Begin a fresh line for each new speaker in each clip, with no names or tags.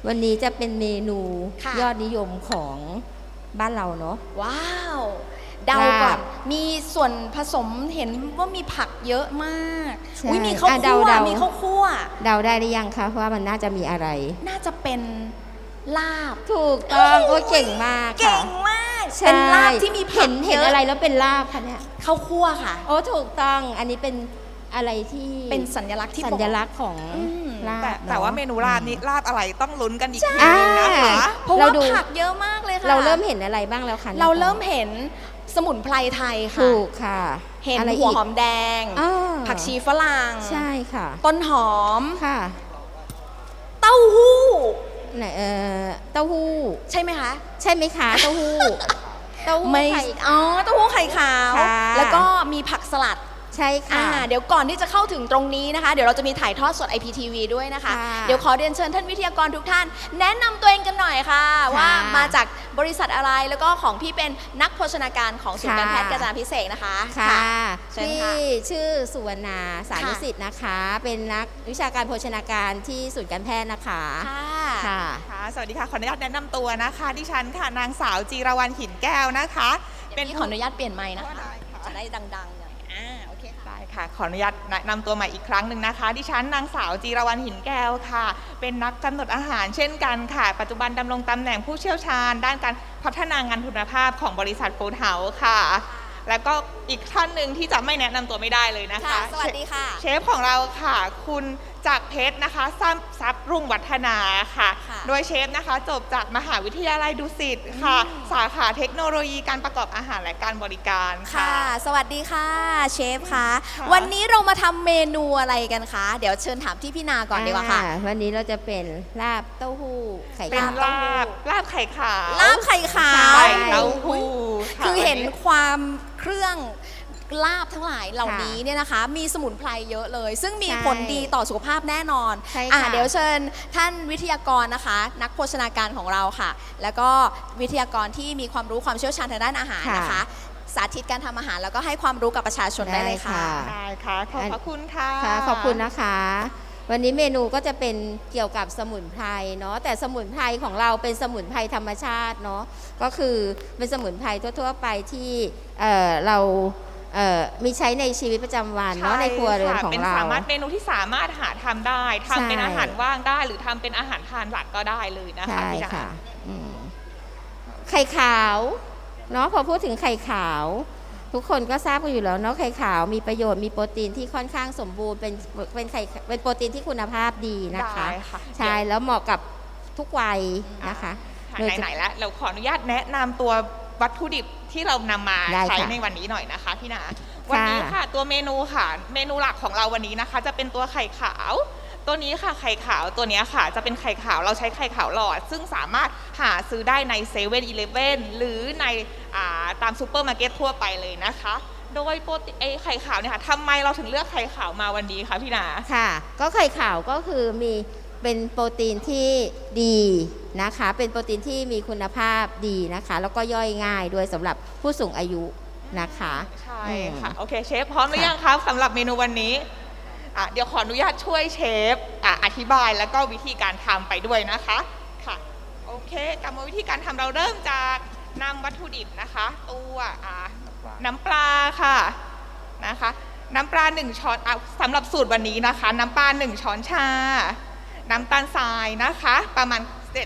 วันนี้จะเป็นเมนู
ค่ะ
ยอดนิยมของบ้านเราเนาะ
ว้าวเดาก่อนมีส่วนผสมเห็นว่ามีผักเยอะมาก
ใช่
อุ้ยมีข้าว
อ่ะ
คั่ว
เดาๆ
มีข้าวคั่ว
เดาได้หรือยังคะว่ามันน่าจะมีอะไร
น่าจะเป็นลาบ
ถูกต้องโอ้ยเก่งมาก
เก่
ค่ะ
งมาก
ใช่
เป็นลาบที่มีผัก
เห็น
เยอะ
อะไรแล้วเป็นลาบคะเนี่ย
ข้าวคั่วค่ะ
โอ้ถูกต้องอันนี้เป็นอะไรที่
เป็นสัญลักษณ์ที่
สั
บอก
ญลักษณ์ของ
อืม
ลาบ
แต่ว่าเมนูลาบนี้ลาบอะไรต้องลุ้นกันอีกที
อ่า
นึงนะคะ
เพราะ
เรา
ว่า
ดู
ผักเยอะมากเลยค่ะ
เราเริ่มเห็นอะไรบ้างแล้วคะ
เราเริ่มเห็นสมุนไพรไทยค่ะ
ถูกค่ะ
เห็น
อะไร
หัว
อีก
หอมแดง
อ่า
ผักชีฝรั่ง
ใช่ค่ะ
ต้นหอม
ค่ะ
เต้าหู้
ไหนเต้าหู้
ใช่ไหมคะ
ใช่ไหมคะเต้าหู้เต้าหู้
ไม่
ไข่
อ๋อเต้าหู้ไข่ขาว
ค่ะ
แล้วก็มีผักสลัด
ใช่ค่ะ
เดี๋ยวก่อนที่จะเข้าถึงตรงนี้นะคะ เดี๋ยวเราจะมีถ่ายทอดสด IPTV ด้วยนะคะ
ค่ะ
เดี๋ยวขอเรียนเชิญท่านวิทยากรทุกท่าน แนะนำตัวเองกันหน่อยค่ะ ว่ามาจากบริษัทอะไรแล้วก็ของพี่เป็นนักโภชนาการของศูนย์การแพทย์กาญจนาภิเษกนะคะ
ค่ะ
เชิญ
พี่
ค่ะ
ชื่อสุวรรณาสารุสิทธิ์นะคะ เป็นนักวิชาการโภชนาการที่ศูนย์การแพทย์นะคะ
ค่ะ
ค่ะ
ค่ะสวัสดีค่ะขออนุญาตแนะนำตัวนะคะดิฉันค่ะนางสาวจีรวรรณหินแก้วนะคะ
เป็นขออนุญาตเปลี่ยนไมค์นะคะ
ได้ค่ะ
จะได้ดังๆหน่อยโอเคค่ะ
ได้ค่ะขออนุญาตแนะนำตัวใหม่อีกครั้งหนึ่งนะคะดิฉันนางสาวจีรวรรณหินแก้วค่ะ เป็นนักกำหนดอาหารเช่นกันค่ะ ปัจจุบันดำรงตำแหน่งผู้เชี่ยวชาญ ด้านการพัฒนางานคุณภาพของบริษัทฟู้ดเฮาส์ค่ะ แล้วก็อีกท่านหนึ่งที่จะไม่แนะนำตัวไม่ได้เลยนะคะ
สวัสดีค่ะ
เชฟของเราค่ะ คุณจากเพชรนะคะทรัพย์รุ่งวัฒนาค่ะ
ค่ะ
โดยเชฟนะคะจบจากมหาวิทยาลัยดุสิตค่ะ สาขาเทคโนโลยีการประกอบอาหารและการบริการค่ะ
ค่ะ สวัสดีค่ะเชฟคะ
ค่ะ
วันนี้เรามาทำเมนูอะไรกันคะ เดี๋ยวเชิญถามที่พี่นาก่อนดีกว่าค่ะ
วันนี้เราจะเป็นลาบเต้าหู้ไข่
เป็น
ขาว
ลาบไข่ขาว
ลาบไข่ขาว
ไข่เต้าหู้ะ
คือเห็น
วันนี้
ความเครื่องลาบทั้งหลายเหล่านี้
ค่ะ
เนี่ยนะคะ มีสมุนไพรเยอะเลย ซึ่งมี
ใช่
ผลดีต่อสุขภาพแน่นอน
ใช่ค่ะ
เดี๋ยวเชิญท่านวิทยากรนะคะ นักโภชนาการของเราค่ะ แล้วก็วิทยากรที่มีความรู้ความเชี่ยวชาญทางด้านอาหารนะคะ สาธิตการทำอาหารแล้วก็ให้ความรู้กับประชาชนได้เลยค่ะ
ได้ค่ะขอบพระคุณค่ะ
ค่ะขอบคุณนะคะ วันนี้เมนูก็จะเป็นเกี่ยวกับสมุนไพรเนาะแต่สมุนไพรของเราเป็นสมุนไพรธรรมชาติเนาะก็คือเป็นสมุนไพรทั่วๆไปที่เรามีใช้ในชีวิตประจำวันเนาะในครัวเรือนของ
เป็น
เรา
สามารถเมนูที่สามารถหาทำได้ทำเป็น
ใช่
อาหารว่างได้ หรือทำเป็นอาหารทานหลักก็ได้เลยนะคะ
ใช่
พี่ดา
ค่ะอืมไข่ขาวเนาะพอพูดถึงไข่ขาว ทุกคนก็ทราบกันอยู่แล้วเนาะไข่ขาวมีประโยชน์มีโปรตีนที่ค่อนข้างสมบูรณ์เป็นไข่เป็นโปรตีนที่คุณภาพดีนะคะ
ได้ค่ะ
ใช่แล้วเหมาะกับทุกวัยนะคะ
ค่ะ
โดย
ไหนๆแล้วเราขออนุญาตแนะนำตัววัตถุดิบที่เรานำมา
ได้
ใช้
ค่ะ
ในวันนี้หน่อยนะคะพี่นาวันนี้ค่ะตัวเมนูค่ะ เมนูหลักของเราวันนี้นะคะ จะเป็นตัวไข่ขาว ตัวนี้ค่ะไข่ขาวตัวนี้ค่ะ จะเป็นไข่ขาวเราใช้ไข่ขาวหลอด ซึ่งสามารถหาซื้อได้ในเซเว่นอีเลฟเว่นหรือในตามซูเปอร์มาร์เก็ตทั่วไปเลยนะคะ โดยโปรตีนไข่ขาวเนี่ยค่ะทำไมเราถึงเลือกไข่ขาวมาวันนี้คะพี่นา
ค่ะ ก็ไข่ขาวก็คือมีเป็นโปรตีนที่ดีนะคะ เป็นโปรตีนที่มีคุณภาพดีนะคะ แล้วก็ย่อยง่ายด้วยสำหรับผู้สูงอายุนะคะ
ใช่
อืม
ค่ะโอเคเชฟพร้อมหรือยังครับสำหรับเมนูวันนี้เดี๋ยวขออนุญาตช่วยเชฟอธิบายแล้วก็วิธีการทำไปด้วยนะคะค่ะโอเคกรรมวิธีการทำเราเริ่มจากนำวัตถุดิบนะคะตัวน้ำปลาค่ะนะคะน้ำปลา1ช้อนสำหรับสูตรวันนี้นะคะ น้ำปลา1ช้อนชาน้ำตาลทรายนะคะประมาณ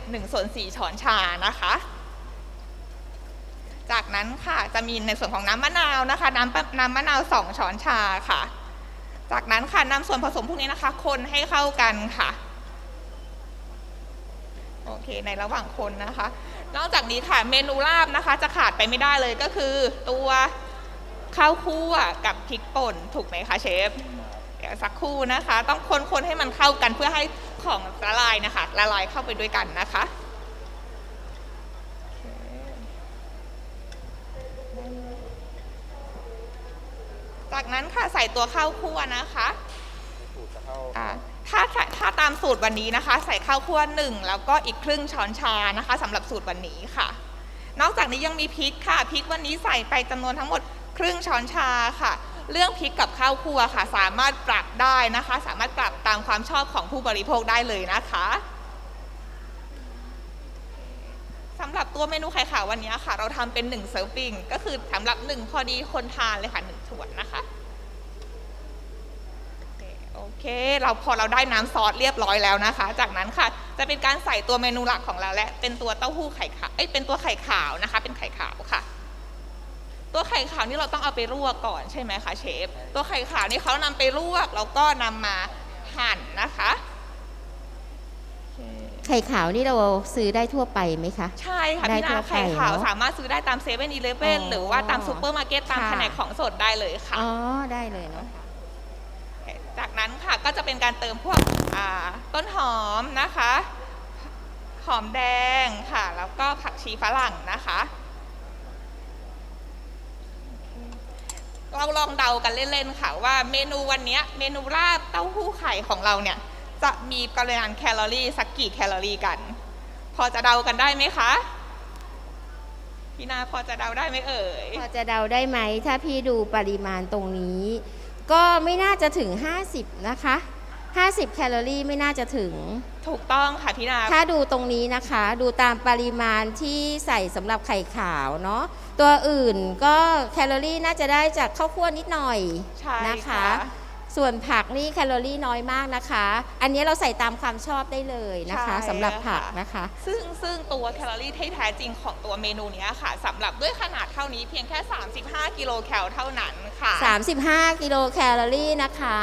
1/4 ช้อนชานะคะ จากนั้นค่ะจะมีในส่วนของน้ำมะนาวนะคะน้ำมะนาว2 ช้อนชาค่ะ จากนั้นค่ะนำส่วนผสมพวกนี้นะคะคนให้เข้ากันค่ะโอเคในระหว่างคนนะคะ นอกจากนี้ค่ะเมนูลาบนะคะ จะขาดไปไม่ได้เลยก็คือตัวข้าวคั่วกับพริกป่นถูกไหมคะเชฟเดี๋ยวสักครู่นะคะ ต้องคนให้มันเข้ากันเพื่อให้ของละลายนะคะละลายเข้าไปด้วยกันนะคะ จากนั้นค่ะใส่ตัวข้าวคั่วนะคะถ้าตามสูตรวันนี้นะคะ ใส่ข้าวคั่ว1แล้วก็อีกครึ่งช้อนชานะคะสำหรับสูตรวันนี้ค่ะ นอกจากนี้ยังมีพริกค่ะพริกวันนี้ใส่ไปจำนวนทั้งหมดครึ่งช้อนชาค่ะ เรื่องพริกกับข้าวคั่วค่ะสามารถปรับได้นะคะ สามารถปรับตามความชอบของผู้บริโภคได้เลยนะคะตัวเมนูไข่ขาววันนี้ค่ะ เราทำเป็น1เซิร์ฟปิ้งก็คือสำหรับ1พอดีคนทานเลยค่ะ1ถ้วยนะคะโอเคพอเราได้น้ำซอสเรียบร้อยแล้วนะคะ จากนั้นค่ะจะเป็นการใส่ตัวเมนูหลักของเราและเป็นตัวเต้าหู้ไข่ขาวเป็นตัวไข่ขาวนะคะ เป็นไข่ขาวค่ะ ตัวไข่ขาวนี่เราต้องเอาไปลวกก่อนใช่ไหมคะเชฟตัวไข่ขาวนี่เขานำไปลวกแล้วก็นำมาหั่นนะคะ
ไข่ขาวนี่เราซื้อได้ทั่วไปไหมคะ
ใช่ค่ะ
ได้
พี่
ทั่
นาว
ไป
ไข่ขาว
เนอะ
สามารถซื้อได้ตามเซเว่นอีเลฟเว่น
อ๋อ
หรือว่าตามซูเปอร์มาร์เก็ตตาม
ค่ะ
แผนกของสดได้เลยค่ะ
อ๋อได้เลยเนาะ
จากนั้นค่ะก็จะเป็นการเติมพวกต้นหอมนะคะหอมแดงค่ะ แล้วก็ผักชีฝรั่งนะคะ เราลองเดากันเล่นๆค่ะว่าเมนูวันนี้เมนูราดเต้าหู้ไข่ของเราเนี่ยจะมีปริมาณแคลอรี่สักกี่แคลอรี่กัน พอจะเดากันได้ไหมคะพี่นาพอจะเดาได้ไหมเอ่ย
พอจะเดาได้ไหมถ้าพี่ดูปริมาณตรงนี้ ก็ไม่น่าจะถึง50นะคะ50แคลอรี่ไม่น่าจะถึง
ถูกต้องค่ะพี่นา
ถ้าดูตรงนี้นะคะดูตามปริมาณที่ใส่สำหรับไข่ขาวเนาะตัวอื่นก็แคลอรี่น่าจะได้จากข้าวคั่วนิดหน่อย
ใช่
นะคะ
ค่ะ
ส่วนผักนี่แคลอรี่น้อยมากนะคะ อันนี้เราใส่ตามความชอบได้เลยนะคะสำหรับผักนะคะ
ซึ่งตัวแคลอรี่ที่แท้จริงของตัวเมนูนี้ค่ะสำหรับด้วยขนาดเท่านี้เพียงแค่35กิโลแคลเท่านั้นค่ะ
35กิโลแคลอรี่นะคะ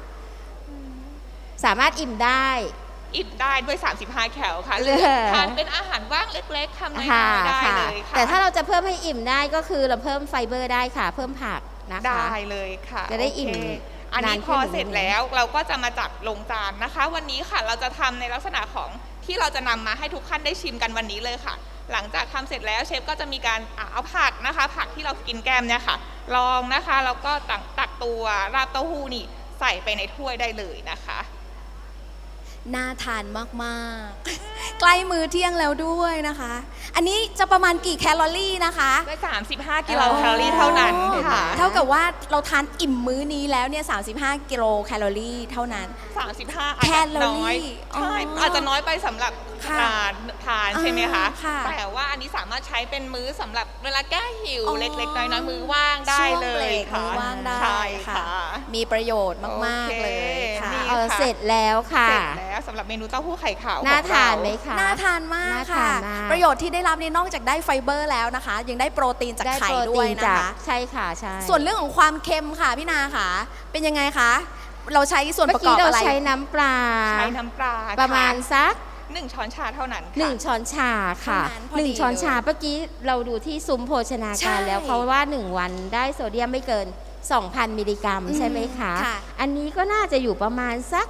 สามารถอิ่มได้
อิ่มได้ด้วย35แคลค่ะหรือทานเป็นอาหารว่างเล็กๆทำน้อยๆได้เลยค่ะ
แต่ถ้าเราจะเพิ่มให้อิ่มได้ก็คือเราเพิ่มไฟเบอร์ได้ค่ะ เพิ่มผักนะคะ
ได้เลยค่ะ
จะได้อิ่ม
โเคอันนี้พอเสร็จแล้วเราก็จะมาจัดลงจานนะคะ วันนี้ค่ะเราจะทำในลักษณะของที่เราจะนำมาให้ทุกท่านได้ชิมกันวันนี้เลยค่ะ หลังจากทำเสร็จแล้วเชฟก็จะมีการเอาผักนะคะ ผักที่เรากินแก้มเนี่ยค่ะลองนะคะแล้วก็ตักตัวราดเต้าหู้นี่ใส่ไปในถ้วยได้เลยนะคะ
น่าทานมากๆ ใกล้มื้อเที่ยงแล้วด้วยนะคะ อันนี้จะประมาณกี่แคลอรี่นะคะ
ด้วย35กิโลแคลอรี่เท่านั้นค่ะ
เท่ากับว่าเราทานอิ่มมื้อนี้แล้วเนี่ย35กิโลแคลอรี่เท่านั้น
35อาจจะน้อย
แคลอรี่
ใช่
อ๋ออ
อาจจะน้อยไปสำหรับ
ค่ะ
ทานใช่ไหมคะ
ค่ะ
แต่ว่าอันนี้สามารถใช้เป็นมื้อสำหรับเวลาแก้หิว
อ๋อ
เล็กๆน้อยๆมื้อว่างได้เล
ช่วงเบร
ย
ก
ค่ะ
มื้อว่างได้
ใช่
ค่ะ
ค่ะ
มีประโยชน์มาก
โอ
ๆ
เค
เลยค่ะ
นี่
เสร็จแล้วค่ะ
เสร็จแล้วสำหรับเมนูเต้าหู้ไข่ขาวของ
น่า
เรา
ทานไหมคะ
น่าทานมาก
น่า
ค่ะ
ทานมาก
ประโยชน์ที่ได้รับนี่นอกจากได้ไฟเบอร์แล้วนะคะ ยังได้โปรตีนจาก
ได้
ไข่
โปร
ด้
ตี
วย
น
นะ
จาก
คะ
ใช่ค่ะใช่
ส่วนเรื่องของความเค็มค่ะพี่นาค่ะ เป็นยังไงคะ เราใช้ส่วน
เมื่
ป
อ
ระกอ
กี้
บ
เรา
อะไร
ใช้น้ำปลา
ใช้น้ำปลา
ประมาณ
ค่
สัก
1 ช้อนชาเท่านั้นค่ะ
1 ช้อนชาค่ะ
เท่านั้นพอดี
1 ช้อนชาเมื่อกี้เราดูที่ซุ้มโภชนา
ใช่
การแล้วเขาว่า 1 วันได้โซเดียมไม่เกิน 2,000 มิลลิกรัมใช่ไหมคะ
ค่ะ
อันนี้ก็น่าจะอยู่ประมาณสัก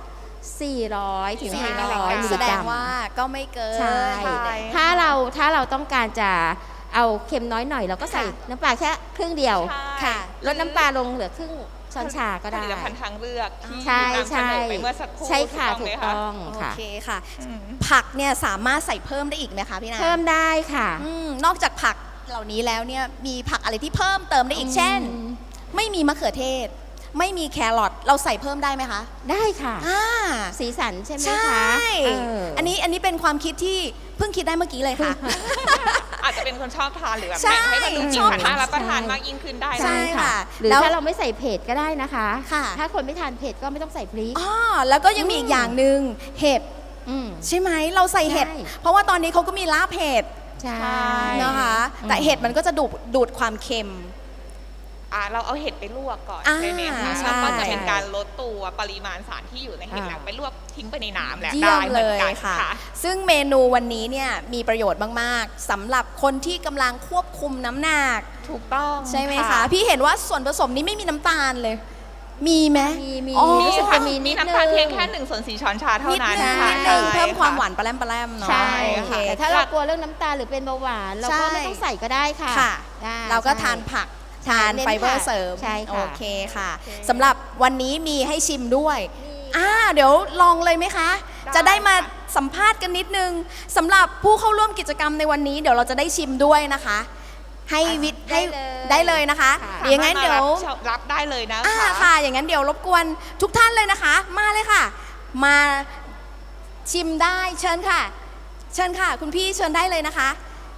400 ถึง 500 มิล
แส
ลิ
ด
กรั
ง
ม
ว่าก็ไม่เกิน
ใช่
ใช่
ถ้าเราต้องการจะเอาเค็มน้อยหน่อยเราก็ใส่
ค่ะ
น้ำปลาแค่ครึ่งเดียว
ใช่
ค่ะ
ลดน้ำปลาลงเหลือครึ่งช้อนชาก็
ผ
ได้
ลิตภัณฑ์ทางเลือกที่
ใช่
นำเสนอไปเมื่อสักครู่
ใช่ค่ะ
ถู
ถู
ก
ก
ต้องไหมคะ
ต้อง
โอ
ค่ะ
เคค่ะ
อืม
ผักเนี่ยสามารถใส่เพิ่มได้อีกไหมคะพี่นา
เพิ่มได้ค่ะ
นอกจากผักเหล่านี้แล้วเนี่ยมีผักอะไรที่เพิ่มเติมได้อีกเช่น ไม่มีมะเขือเทศ ไม่มีแครอทเราใส่เพิ่มได้ไหมคะ
ได้ค่ะ
อ่า
สีสันใช่ไหม
ใช่
คะเ
อันนี้เป็นความคิดที่เพิ่งคิดได้เมื่อกี้เลยค่ะ
อาจจะเป็นคนชอบทานหรือแบบ
ใช่
แบ่งให้มันดู
ช
สี
อบ
สัน
ทาน
น่ารับประทานมากยิ่งขึ้นได้นะ
ใช่ ค่ะ
หรือ
แล้ว
ถ้าเราไม่ใส่เผ็ดก็ได้นะคะ
ค่ะ
ถ้าคนไม่ทานเผ็ดก็ไม่ต้องใส่พริก
อ๋อแล้วก็ยังมีอีกอย่างหนึ่งเห็ด
อืม
ใช่ไหมเราใส่เห็ด
ใช่
เพราะว่าตอนนี้เขาก็มีลาบเห็ด
ใช่
นะคะ แต่เห็ดมันก็จะดูดความเค็ม
เราเอาเห็ดไปลวกก่อน
อ่า
ใช่ไหมคะ
ใช่
แล้วก็จะเป็นการลดตัวปริมาณสารที่อยู่ในเห็ด
อ่า
แล้วไปลวกทิ้งไปในน้ำแหละ
เยี่ย
ได้
ม
เห
เล
มือน
ย
กัน
ค่ะ
ค่ะ
ซึ่งเมนูวันนี้เนี่ยมีประโยชน์มาก ๆสำหรับคนที่กำลังควบคุมน้ำหนัก
ถูกต้อง
ใช่ไหมคะ พี่เห็นว่าส่วนผสมนี้ไม่มีน้ำตาลเลย มีไหม
มี
อ๋อ
มี
รู้สึก
ค่ะ
จะมีนิ
มี
ด
น้ำตาล
นึง
เพียงแค่1/4 ช้อนชาเท่า
นิด
นั้น
นึง
ค่ะ
นิดนึง
ใช่
เพิ่มความ
ะ
หวานปลาแรมเนาะ
ใช่
โอเค
ค่ะแต่ถ้าเรากลัวเรื่องน้ำตาลหรือเป็นเบาหวานเราก็
ใช่
ไม่ต้องใส่ก็ได้ค่ะ
ค่ะ
ได้
เราก็
ใช่
ทานผัก
ใช่
ทาน
เน้น
ไฟเบอร์
ผัก
เสริม
ใช่ค่ะ
โอเคค่ะ
โอเค
สำหรับวันนี้มีให้ชิมด้วย
มี
เดี๋ยวลองเลยไหมคะ
ได้
จะได้มา
ค่ะ
สัมภาษณ์กันนิดนึงสำหรับผู้เข้าร่วมกิจกรรมในวันนี้เดี๋ยวเราจะได้ชิมด้วยนะคะ ให้วิทย์ให้ได้เลยนะคะ
ค่ะ
อย่างนั้นเดี๋ยว
รับได้เลยนะ
ค่ะ อย่างนั้นเดี๋ยวรบกวนทุกท่านเลยนะคะ มาเลยค่ะ มาชิมได้เชิญค่ะ เชิญค่ะ คุณพี่เชิญได้เลยนะคะ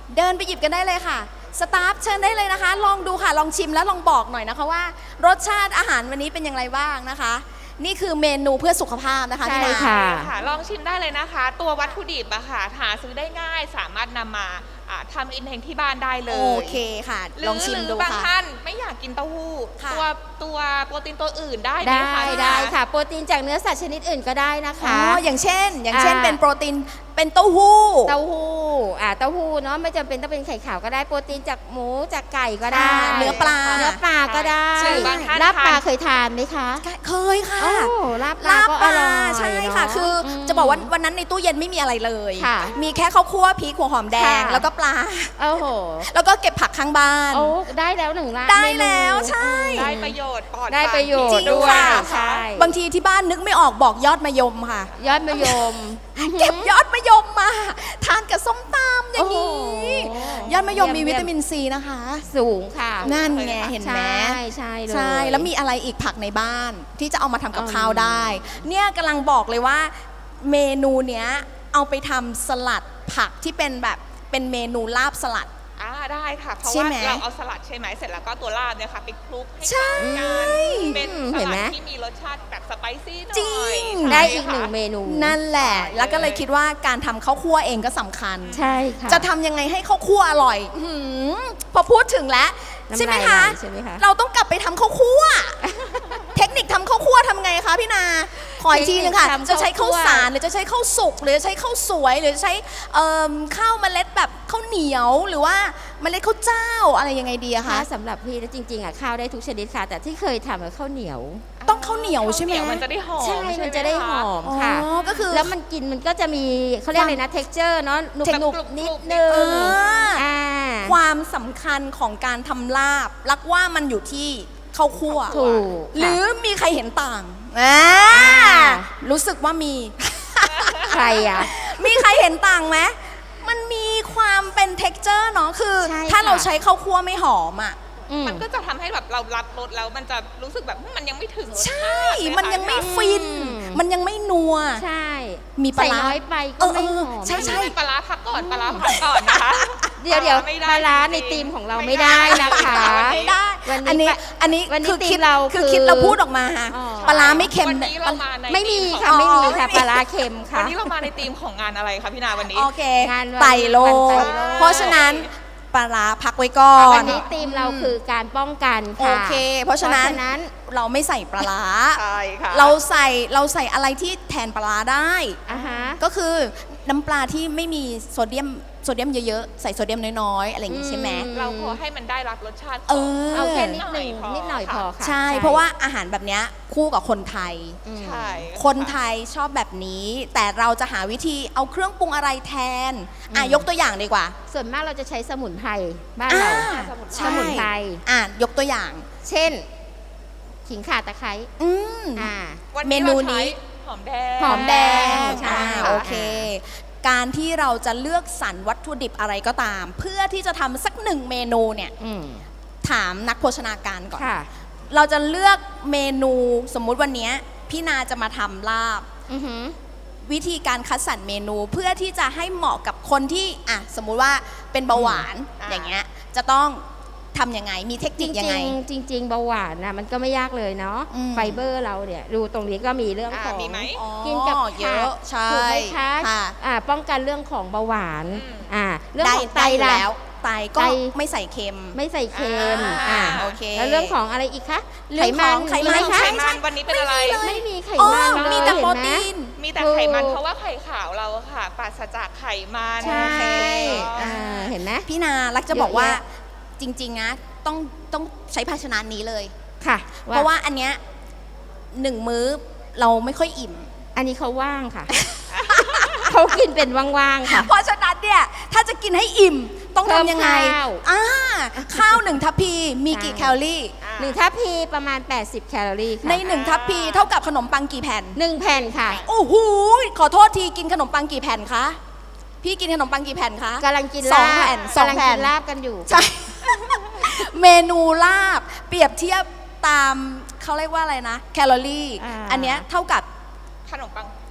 เดินไปหยิบกันได้เลยค่ะ สตาฟเชิญได้เลยนะคะ ลองดูค่ะ ลองชิมแล้วลองบอกหน่อยนะคะว่ารสชาติอาหารวันนี้เป็นอย่างไรบ้างนะคะ นี่คือเมนูเพื่อสุขภาพนะคะ
ใช่
พี่นา
ค่ะ
ค่ะลองชิมได้เลยนะคะ ตัววัตถุดิบอะค่ะหาซื้อได้ง่ายสามารถนำมาทำเองที่บ้านได้เลย
โอเคค่ะ
หรื
ลองชิมดู
บาง
ค่ะ
ท่านไม่อยากกินเต้าหู้
ค่ะ
ตัวโปรตีนตัวอื่นได้ไหม
ได้
คะ
ได้ค่ะ โปรตีนจากเนื้อสัตว์ชนิดอื่นก็ได้นะ
อ๋
คะ
ออย่างเช่นเป็นโปรตีนเป็นเต้าหู้
เต้าหู้เต้าหู้เนาะไม่จำเป็นต้องเป็นไข่ขาวก็ได้โปรตีนจากหมูจากไก่ก็ได้
เนื้อปลา
เนื้อปลาก็ได้
หรือบางท่าน
ลาบปลา
ทาน
เคยทานไหมคะ
เคยค่ะ
โอ้ลาบปลาก็อร่อย
ใช่ค่ะ
เน
คือ
ม
จะบอกว่าวันนั้นในตู้เย็นไม่มีอะไรเลย
ค่ะ
มีแค่ข้าวคั่วพริกหัวหอมแดง
ค่ะ
แล้วก็ปลา
โอ้โห
แล้วก็เก็บผักข้างบ้าน
โอ้ได้แล้วหนึ่งละ
ได้
เมนู
แล้วใช่
ได้ประโยชน์ปลอด
ได้ประโยช
จริ
น์
ง
ด้วย
ค่ะ
ใช่
บางทีที่บ้านนึกไม่ออกบอกยอดมะยมค่ะ
ยอดมะยม
เก็บยอดมะยมมาทานกับส้มตำอย่างนี้
โอ้โห
ยอดมะยมมี
เยี่ยม
วิตามินซีนะคะ
สูงค่ะ
นั่นไงเห็นไหม
ใช่ใช่เลย
ใช่แล้วมีอะไรอีกผักในบ้านที่จะเอามาทำกับ
อืม
ข้าวได้ เนี่ยกำลังบอกเลยว่าเมนูเนี้ยเอาไปทำสลัดผักที่เป็นแบบเป็นเมนูลาบสลัด
ได้ค่ะ เพราะ
ใช่
ว่า
ไหม
เราเอาสลัดใช่ไหมเสร็จแล้วก็ตัวลาบเนี่ยค่ะไปคลุกให้
ใช่
เข้ากันเป็นส
เห็นไหม
ลัดที่มีรสชาติแบบสไปซี่หน่อย
จริง
ได้อีกหนึ่งเมนู
นั่นแหละ
ใช่
แล้วก็เลยคิดว่าการทำข้าวคั่วเองก็สำคัญ
ใช่ค่ะ
จะทำยังไงให้ข้าวคั่วอร่อยอื้อหือพอพูดถึงแล้ว
น้ำลาย
ใช่ไหมคะ
ไหลใช่ไหมคะ
เราต้องกลับไปทำข้าวคั่ว เทคนิคทำข้าวคั่วทำไงคะพี่นา ขออีกทีนึงค่ะ
เทคนิคทำ
จะใช้ข้าว
ข้าวคั่ว
สารหรือจะใช้ข้าวสุกหรือจะใช้ข้าวสวย หรือจะใช้ข้าวเมล็ดแบบข้าวเหนียวหรือว่าเมล็ดข้าวเจ้าอะไรยังไงดีอะ
ค่ะ
คะ
สำหรับพี่แล้วจริงๆข้าวได้ทุกชนิดค่ะ แต่ที่เคยทำข้าวเหนียว
ต้องข้าวเหนียวใช่ไหม
ข้าวเนียวมันจะได้หอม
ใช่
ใช่
มัน
ไห
จะได้ห
ค
อม
อ๋อ
ค่ะ
ก็คือ
แล้วมันกินมันก็จะมีเขาเรียกอะไรนะ texture เนาะหนุบ
เทค
หนุบ
กรุบๆ
นิดนึง
เออ
อ่า
ความสำคัญของการทำลาบรักว่ามันอยู่ที่ข้าวคั่ว
ถูก
หรือมีใครเห็นต่างอ่า
อ่า
รู้สึกว่ามี
ใครอ่ะ
มีใครเห็นต่างไหมมันมีความเป็น t e x t อร์เนาะคือ
ใช่
ถ้า
ค่ะ
เราใช้ข้าวคั่วไม่หอมอ่ะ
อืม
มันก็จะทำให้แบบเรารับรสแล้วมันจะรู้สึกแบบมันยังไม่ถึงรส
ใช่
ชาติเลย
มันยังไม่
ค่ะ
ฟิน
อืม
มันยังไม่นัว
ใช่
มีปลา
ใส่
ร้า
น้อยไปก็ไม่หอม
ใช่
ใช่ปลาร้าพักก่อนปลาร้าพักก่อนนะคะ
เดี๋ยว
ไม่ได้
ปลาร้าใน
จริงๆ
ธีมของเราไม่ได้นะคะ
ไม่ได้
วันนี้
อันนี้
วันนี้
คือคิด
ธีมเรา
คือ
คือ
คิดเราพูดออกมา
อ๋อ
ปลาร้าไม่เค็ม
วันนี้เรามาใน
ไม่มี
ธี
ค่ะ
ของ
ไม่มีค่ะ
อ๋อ
ปลาร้าเค็ม
วัน
ค่ะ
นี้เรามาในธีมของงานอะไรคะพี่นาวันนี้
โอเค
งานวัน
ไตรโล
วันไตร
ก
โลก
เพราะฉะนั้นปลาร้าพักไว้ก่อน
วันนี้ธีมเราคือการป้องกัน
โอ
ค่ะ
เค เพราะฉะนั้น
นั้น
เราไม่ใส่ปลาร้า
ใช่ค่ะ
เราใส่อะไรที่แทนปลาร้าได้
อ่าฮะ
ก็คือน้ำปลาที่ไม่มีโซเดียมเยอะๆ ใส่โซเดียมน้อยๆ อะไรอย่างงี้ใช่ไหม
เราพอให้มันได้รับรสชาติ
เออ
เอาแค่นิดหนึ่ง
พอ
นิดหน่อยพอค่ะ
ใช่ เพราะว่าอาหารแบบเนี้ยคู่กับคนไทย
อืม
ใช่
คนไทยชอบแบบนี้ แต่เราจะหาวิธีเอาเครื่องปรุงอะไรแทน ยกตัวอย่างดีกว่า
ส่วนมากเราจะใช้สมุนไพรบ้านเรา
ใช่
สมุนไพร
ยกตัวอย่าง
เช่น ขิงข่าตะไคร้
อืม
อ่า
วัน
เม
นี้
นู
เราใช้
นี้
หอมแดง
หอมแดง
ใช่
ค่ะ
โอเค การที่เราจะเลือกสรรวัตถุดิบอะไรก็ตาม เพื่อที่จะทำสักหนึ่งเมนูเนี่ย
อืม
ถามนักโภชนาการก่อน
ค่ะ
เราจะเลือกเมนูสมมุติวันเนี้ยพี่นาจะมาทำลาบ
อือหือ
วิธีการคัดสรรเมนูเพื่อที่จะให้เหมาะกับคนที่สมมุติว่าเป็นเบาหวาน
อ่า
อย่างเงี้ยจะต้องทำยังไงมีเทค
จ
นิคยังไง
ริงๆจริง ๆ เบาหวานนะมันก็ไม่ยากเลยเนาะ
อืม
ไฟเบอร์เราเนี่ยดูตรงนี้ก็มีเรื่องของ
มีไหม
อ๋อ
กินกับ
เยอะใช่
ถูกไหมคะ
ค่ะ
ป้องกันเรื่องของเบาหวาน
อืม
เรื่อง
ได้
ของไต
ได้อยู่
ล่ะ
แล้วไตก็
ไต
ไม่ใส่เค็ม
ไม่ใส่เค็ม
โอเค
แล้วเรื่องของอะไรอีกคะ
เรื่องของไขมัน
มีไห
ไข
คะ
มันวันนี้เป็นอะไร
ไม่มีไข
อ๋อ
มันเลย
มีแต่
เห็น
โปร
ไหม
ตีน
มีแต่ไขมันเพราะว่าไข่ขาวเราอะค่ะปราศจากไขมัน
ใช่
โอเค
เห็นไหม
พี่นารักจะบอกว่า
เยอะแย
จริงๆนะต้องใช้ภาชนะนี้เลย
ค่ะ
เพราะว่าอันเนี้ยหนึ่งมื้อเราไม่ค่อยอิ่ม
อันนี้เขาว่างค่ะ เขากินเป็นว่างๆค่ะ
เพราะฉะนั้นเนี่ยถ้าจะกินให้อิ่มต้องทำยังไง
เพิ่มข้าว
ข้าวหนึ่งทัพพีมีกี่
ใช่
แคลอรี่
หนึ่งทัพพีประมาณ 80 แคลอรี่ค่ะ
ในหนึ่งทัพพีเท่ากับขนมปังกี่แผ่น
หนึ่งแผ่นค่ะ
โอ้โหขอโทษทีกินขนมปังกี่แผ่นคะพี่กินขนมปังกี่แผ่นคะ
กำลังกิน
สอง
ลาบ
แผ่นสอง
กำลัง
แผ่
กิ
น
นลาบกันอยู่
ใช่ เมนูลาบเปรียบเทียบตามเขาเรียกว่าอะไรนะ แคลอรี่
อ่า
อันเนี้ยเท่ากับ
ขนมปัง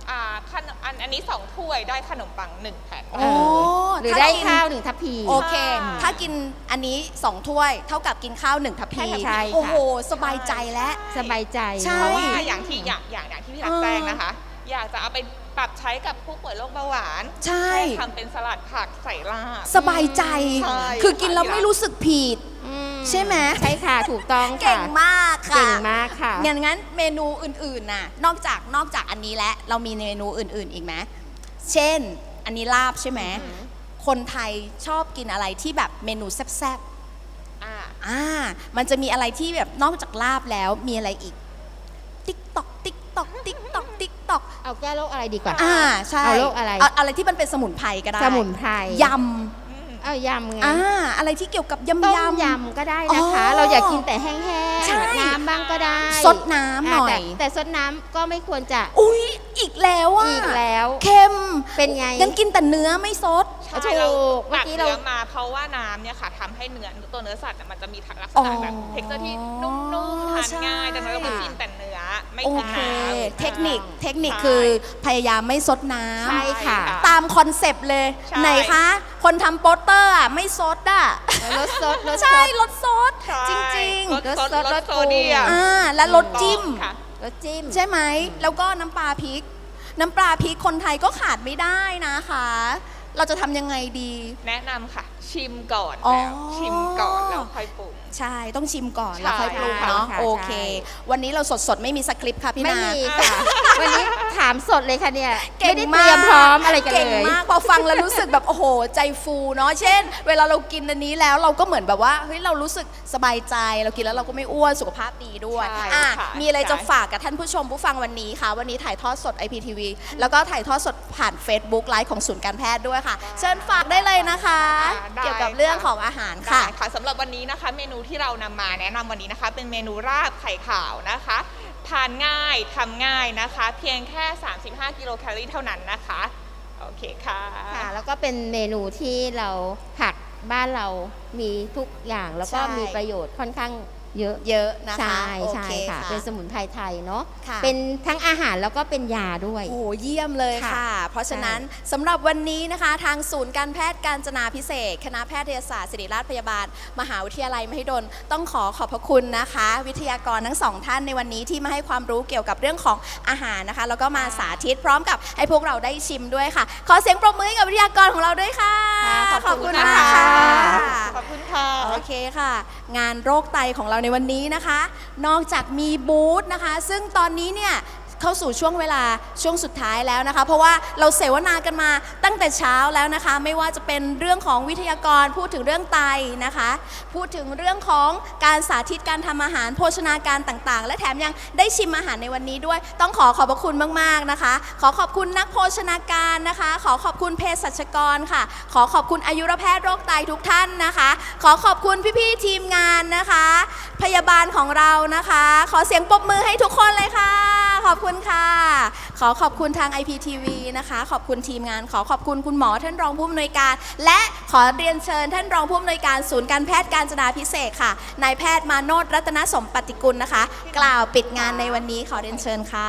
อันนี้2 ถ้วยได้ขนมปัง1 แผ่น
โอ้
หรือ
ถ้า
ได้
กิน
ข้าว1 ทัพพี
โอเค
ค่ะ
ถ้ากินอันนี้2 ถ้วยเท่ากับกินข้าว1 ทัพพี
ใช่ค่ะ
โอ้โหสบายใจแล้ว
สบายใจ
ใช่
เพราะว่าอย่างที่พี่รักแจ้งนะคะ อยากจะเอาไปปรับใช้กับผู้ป่วยโรคเบาหวาน
ใช่
ทำเป็นสลัดผักใส่ลาบ
สบายใจ
ใช่
คือกินแล้วไม่รู้สึกผิด
อืม
ใช่ไหม
ใช่ค่ะถูกต้องค่ะ
เก่งมากค่ะ
เก่งมากค่ะ
งั้นเมนูอื่นๆน่ะนอกจากอันนี้แล้วเรามีเมนูอื่นๆอีกไหมเช่น อันนี้ลาบใช่ไหมคนไทยชอบกินอะไรที่แบบเมนูแซ่บ
อ่า
มันจะมีอะไรที่แบบนอกจากลาบแล้วมีอะไรอีกติ๊กตอกติ๊กตอกติ๊กตอกติ๊กตอก
เอาแก้โรคอะไรดีกว่า
ใช่
เอาโรคอะไร
อะไรที่มันเป็นสมุนไพรก็ได้
สมุนไพร
ย
เอายำไง
ำอะไรที่เกี่ยวกับ
ต้ม
ยำ
ยำก็ได้นะคะ
อ๋อ
เราอยากกินแต่แห้ง
ใช่
ๆน้ำบ้างก็ได้
ซดน้ำหน่อย
แต่ซดน้ำก็ไม่ควรจะ
อุ๊ยอีกแล้วอ่ะ
อีกแล้ว
เค็ม
เป็นไง
งั้นกินแต่เนื้อไม่ซด
ใช่
ถูก
เรา
เมื่อ
ตัก
กี้เรา
เนื้อมาเพราะว่าน้ำเนี่ยค่ะทำให้ตัวเนื้อสัตว์เนี่ยมันจะมีลักษณะแบบเท็กเจอร์ที่นุ่มๆทานง่ายดังนั้นเราก็กินแต่เนื้อไม่
โอ
กิน
เค
น้ำ
เทคนิค
ใช่
คือพยายามไม่ซดน้ำ
ใช่ค่ะ
ตามคอนเซปต์เลย
ใช่
ไหนคะ คนทำโปสเตอร์อ่ะไม่ซดอ่ะ
ลดซดลดซ
ใช่
ด
ลดซด
ใช่
จริง
ลด
ลด
ซ
ซ
ด
ด
ล
ล
ด
ด
โซเดียม
และลดจิ้ม
ค่ะ
ลดจิ้ม
ใช่ไหม แล้วก็น้ำปลาพริก น้ำปลาพริกคนไทยก็ขาดไม่ได้นะคะ เราจะทำยังไงดี
แนะนำค่ะ ชิมก่อน
อ๋อ
แล้วชิมก่อนแล้วค่อยปรุง
ใช่ต้องชิมก่อน
ใช่
แล้วค่อยปรุง
ค่ะ
เนาะ
ค่ะ
โอเค
ใช่
วันนี้เราสดๆ ไม่มีสคริปต์ค่ะพี่
ไม่
นา
มีค่ะ วันนี้ถามสดเลยค่ะเนี่ย
เก่
ไม่
ง
ได้เต
มาก
รียมพร้อมอะไรกัน
เก่ง
เลย
มากพอฟังแล้วรู้สึกแบบโอ้โหใจฟูเนาะเช่น เวลาเรากินอันนี้แล้วเราก็เหมือนแบบว่าเฮ้ยเรารู้สึกสบายใจเรากินแล้วเราก็ไม่อ้วนสุขภาพดีด้วย
ใช่
อ่ะ
ค่ะ
มีอะไรจะ
ใช่
ฝากกับท่านผู้ชมผู้ฟังวันนี้ค่ะวันนี้ถ่ายทอดสด IPTV แล้วก็ถ่ายทอดสดผ่าน Facebook ไลฟ์ของศูนย์การแพทย์ด้วยค่ะ เชิญฝากได้เลยนะคะ
ได้
เกี่ยวกับเรื่องของอาหารค่ะ
ได้ค่ะสำหรับวันนี้นะคะเมนูที่เรานำมาแนะนำวันนี้นะคะ เป็นเมนูราบไข่ขาวนะคะทานง่ายทำง่ายนะคะ เพียงแค่ 35 กิโลแคลอรี่เท่านั้นนะคะโอเคค่ะ
ค่ะแล้วก็เป็นเมนูที่เราผักบ้านเรามีทุกอย่างแล้วก็
ใช่
มีประโยชน์ค่อนข้างเยอะ
เยอะนะคะ
ใช่
โอ
ใช่
เค
ค่ะ เป็นสมุนไพรไทยเนาะ
ค่ะ
เป็นทั้งอาหารแล้วก็เป็นยาด้วย
โอ้โหเยี่ยมเลย
ค่ะ
ค่ะ เพราะฉะนั้นสำหรับวันนี้นะคะ ทางศูนย์การแพทย์การจนาพิเศษกคณะแพทยศาสตร์ศิริราชพยาบาล มหาวิทยาลัยมหิดลต้องขอบพระคุณนะคะ วิทยากรทั้งสองท่านในวันนี้ที่มาให้ความรู้เกี่ยวกับเรื่องของอาหารนะคะ แล้วก็มาสาธิตพร้อมกับให้พวกเราได้ชิมด้วยค่ะ ขอเสียงปรบมือให้กับวิทยากรของเราด้วยค่ะ
ค่ะขอบคุณ
มาก
ค่ะ
ขอบคุณค่ะ
โอเคค่ะ งานโรคไตของเราในวันนี้นะคะ นอกจากมีบูธนะคะ ซึ่งตอนนี้เนี่ยเข้าสู่ช่วงเวลาช่วงสุดท้ายแล้วนะคะ เพราะว่าเราเสวนากันมาตั้งแต่เช้าแล้วนะคะ ไม่ว่าจะเป็นเรื่องของวิทยากรพูดถึงเรื่องไตนะคะ พูดถึงเรื่องของการสาธิตการทำอาหารโภชนาการต่างๆ และแถมยังได้ชิมอาหารในวันนี้ด้วย ต้องขอบพระคุณมากๆนะคะ ขอขอบคุณนักโภชนาการนะคะ ขอขอบคุณเภสัชกรค่ะ ขอขอบคุณอายุรแพทย์โรคไตทุกท่านนะคะ ขอขอบคุณพี่ๆทีมงานนะคะ พยาบาลของเรานะคะ ขอเสียงปรบมือให้ทุกคนเลยค่ะ ขอบคุณค่ะ ขอขอบคุณทาง IPTV นะคะ ขอบคุณทีมงาน ขอขอบคุณคุณหมอท่านรองผู้อำนวยการ และขอเรียนเชิญท่านรองผู้อำนวยการศูนย์การแพทย์การจนาพิเศษกค่ะ นายแพทย์มาโนชรัตนสมปฏิกุลนะคะ กล่าวปิดงานในวันนี้ขอเรียนเชิญค่ะ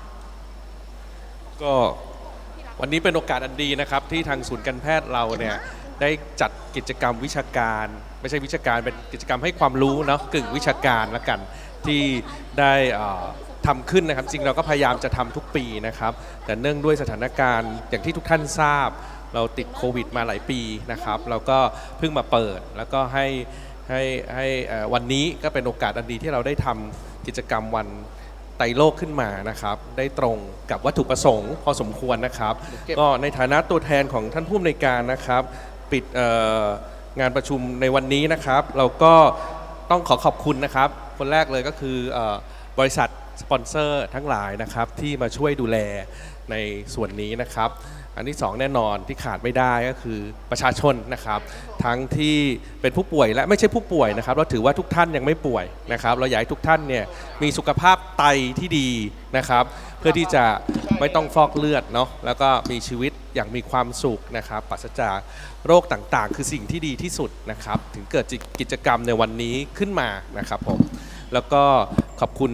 ก็วันนี้เป็นโอกาสอันดีนะครับที่ทางศูนย์การแพทย์เราเนี่ยได้จัดกิจกรรมวิชาการ ไม่ใช่วิชาการเป็นกิจกรรมให้ความรู้เนาะกึ่งวิชาการละกันที่ได้ทำขึ้นนะครับจริงเราก็พยายามจะทำทุกปีนะครับแต่เนื่องด้วยสถานการณ์อย่างที่ทุกท่านทราบ เราติดโควิดมาหลายปีนะครับเราก็เพิ่งมาเปิดแล้วก็ให้วันนี้ก็เป็นโอกาสอันดีที่เราได้ทำกิจกรรมวันไตรโลกขึ้นมานะครับได้ตรงกับวัตถุประสงค์พอสมควรนะครับก็ในฐานะตัวแทนของท่านผู้อำนวยการนะครับปิดงานประชุมในวันนี้นะครับเราก็ต้องขอบคุณนะครับคนแรกเลยก็คือบริษัทสปอนเซอร์ทั้งหลายนะครับที่มาช่วยดูแลในส่วนนี้นะครับอันที่สองแน่นอนที่ขาดไม่ได้ก็คือประชาชนนะครับทั้งที่เป็นผู้ป่วยและไม่ใช่ผู้ป่วยนะครับเราถือว่าทุกท่านยังไม่ป่วยนะครับเราอยากให้ทุกท่านเนี่ยมีสุขภาพไตที่ดีนะครับเพื่อที่จะไม่ต้องฟอกเลือดเนาะแล้วก็มีชีวิตอย่างมีความสุขนะครับปราศจากโรคต่างๆ คือสิ่งที่ดีที่สุดนะครับถึงเกิดกิจกรรมในวันนี้ขึ้นมานะครับผมแล้วก็ขอบคุณ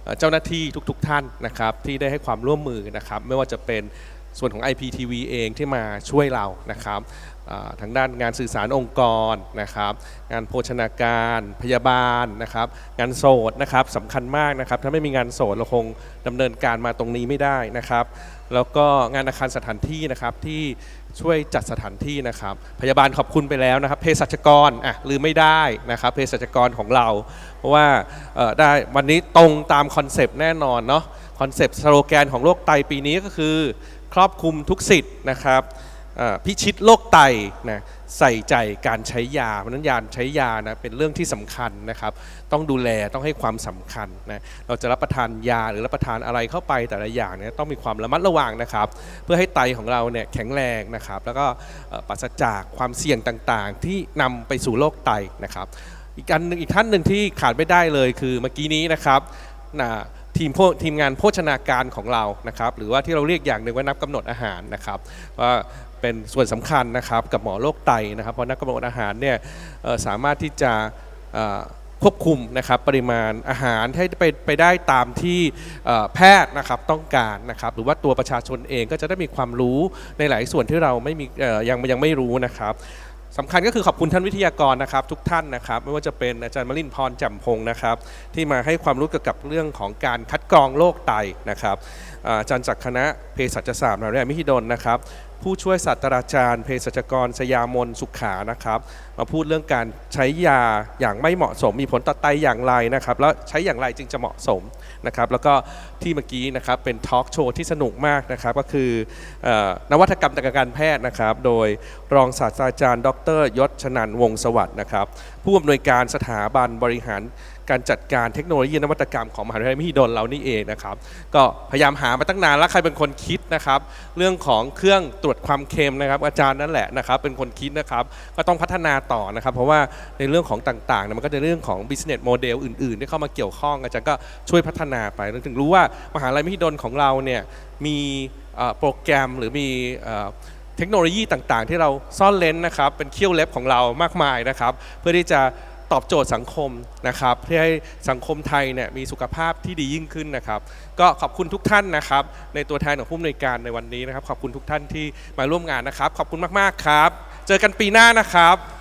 เจ้าหน้าที่ทุกๆท่านนะครับที่ได้ให้ความร่วมมือนะครับไม่ว่าจะเป็นส่วนของ IPTV เองที่มาช่วยเรานะครับทางด้านงานสื่อสารองค์กรนะครับงานโภชนาการพยาบาลนะครับงานโสดนะครับสำคัญมากนะครับถ้าไม่มีงานโสดเราคงดำเนินการมาตรงนี้ไม่ได้นะครับแล้วก็งานอาคารสถานที่นะครับที่ช่วยจัดสถานที่นะครับพยาบาลขอบคุณไปแล้วนะครับเภสัชกรลืมไม่ได้นะครับเภสัชกรของเราเพราะว่าได้วันนี้ตรงตามคอนเซปต์แน่นอนเนาะคอนเซปต์สโลแกนของโรคไตปีนี้ก็คือครอบคลุมทุกสิทธิ์นะครับพิชิตโรคไตนะใส่ใจการใช้ยาเพราะนั้นยาใช้ยานะเป็นเรื่องที่สำคัญนะครับต้องดูแลต้องให้ความสำคัญนะเราจะรับประทานยาหรือรับประทานอะไรเข้าไปแต่ละอย่างเนี่ยต้องมีความระมัดระวังนะครับเพื่อให้ไตของเราเนี่ยแข็งแรงนะครับแล้วก็ปราศจากความเสี่ยงต่างๆที่นำไปสู่โรคไตนะครับอีกท่านหนึ่งที่ขาดไม่ได้เลยคือเมื่อกี้นี้นะครับทีมงานโภชนาการของเรานะครับหรือว่าที่เราเรียกอย่างหนึ่งว่านักกำหนดอาหารนะครับว่าเป็นส่วนสำคัญนะครับกับหมอโรคไตนะครับเพราะนักกำหนดอาหารเนี่ยสามารถที่จะควบคุมนะครับปริมาณอาหารให้ไปได้ตามที่แพทย์นะครับต้องการนะครับหรือว่าตัวประชาชนเองก็จะได้มีความรู้ในหลายส่วนที่เราไม่มียังไม่รู้นะครับสำคัญก็คือขอบคุณท่านวิทยากรนะครับทุกท่านนะครับไม่ว่าจะเป็นอาจารย์มลินทร์ พรแจ่มพงศ์นะครับที่มาให้ความรู้เกี่ยวกับเรื่องของการคัดกรองโรคไตนะครับอาจารย์จากคณะเภสัชศาสตร์มหาวิทยาลัยมหิดลนะครับผู้ช่วยศาสตราจารย์เภสัชกรสยามนสุขานะครับมาพูดเรื่องการใช้ยาอย่างไม่เหมาะสมมีผลต่อไตอย่างไรนะครับแล้วใช้อย่างไรจึงจะเหมาะสมนะครับแล้วก็ที่เมื่อกี้นะครับเป็นทอล์กโชว์ที่สนุกมากนะครับก็คือนวัตกรรมทางการแพทย์นะครับโดยรองศาสตราจารย์ ดร.ยศชนันท์ วงศ์สวัสดิ์นะครับผู้อำนวยการสถาบันบริหารการจัดการเทคโนโลยีนวัตกรรมของมหาวิทยาลัยมหิดลเรานี่เองนะครับก็พยายามหามาตั้งนานแล้วใครเป็นคนคิดนะครับเรื่องของเครื่องตรวจความเค็มนะครับอาจารย์นั่นแหละนะครับเป็นคนคิดนะครับก็ต้องพัฒนาต่อนะครับเพราะว่าในเรื่องของต่างๆมันก็จะเรื่องของ business model อื่นๆที่เข้ามาเกี่ยวข้องอาจารย์ก็ช่วยพัฒนาไปเราถึงรู้ว่ามหาวิทยาลัยมหิดลของเราเนี่ยมีโปรแกรมหรือมีเทคโนโลยีต่างๆที่เราซ่อนเร้นนะครับเป็นเขี้ยวเล็บของเรามากมายนะครับเพื่อที่จะตอบโจทย์สังคมนะครับเพื่อให้สังคมไทยเนี่ยมีสุขภาพที่ดียิ่งขึ้นนะครับก็ขอบคุณทุกท่านนะครับในตัวแทนของผู้อำนวยการในวันนี้นะครับขอบคุณทุกท่านที่มาร่วมงานนะครับขอบคุณมากๆครับเจอกันปีหน้านะครับ